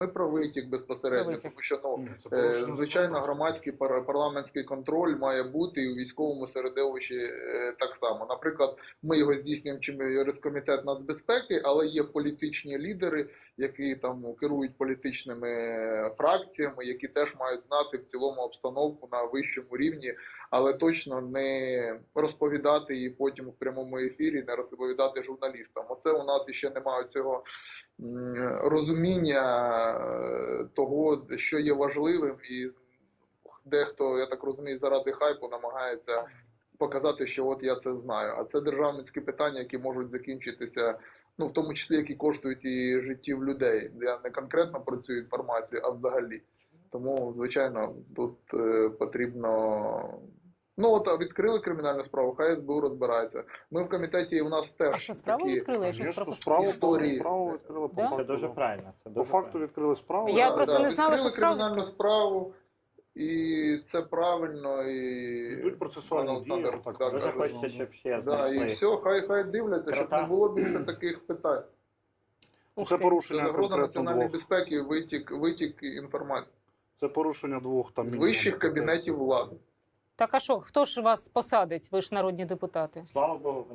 про витік безпосередньо, тому що звичайно громадський парламентський контроль має бути і у військовому середовищі так само. Наприклад, ми його здійснюємо через комітет нацбезпеки, але є політичні лідери, які там керують політичними фракціями, які теж мають знати в цілому обстановку на вищому рівні, але точно не розповідати її потім в прямому ефірі, не розповідати журналістам. Оце у нас ще немає цього розуміння того, що є важливим, і дехто, я так розумію, заради хайпу намагається показати, що от я це знаю. А це державницькі питання, які можуть закінчитися, ну, в тому числі, які коштують і життів людей. Я не конкретно про цю інформацію, а взагалі. Тому, звичайно, тут потрібно... Ну, от відкрили кримінальну справу, хай СБУ розбирається. Ми в комітеті, у нас теж... А що, справу відкрили? Я щось Справу історії. відкрили по факту. Це дуже правильно. По факту відкрили справу. Я просто не знала, що відкрили справу кримінальну справу, і це правильно, і... Йдуть процесуальні дії. Так, Дуже хочеться, щоб ще і знайшли. все, хай дивляться, щоб не було більше таких питань. Це Це порушення загроза конкретно національної двох. безпеки, витік інформації. Це порушення двох там З мінімум вищих статей. кабінетів влади. Так а що, хто ж вас посадить? Ви ж народні депутати. Слава Богу.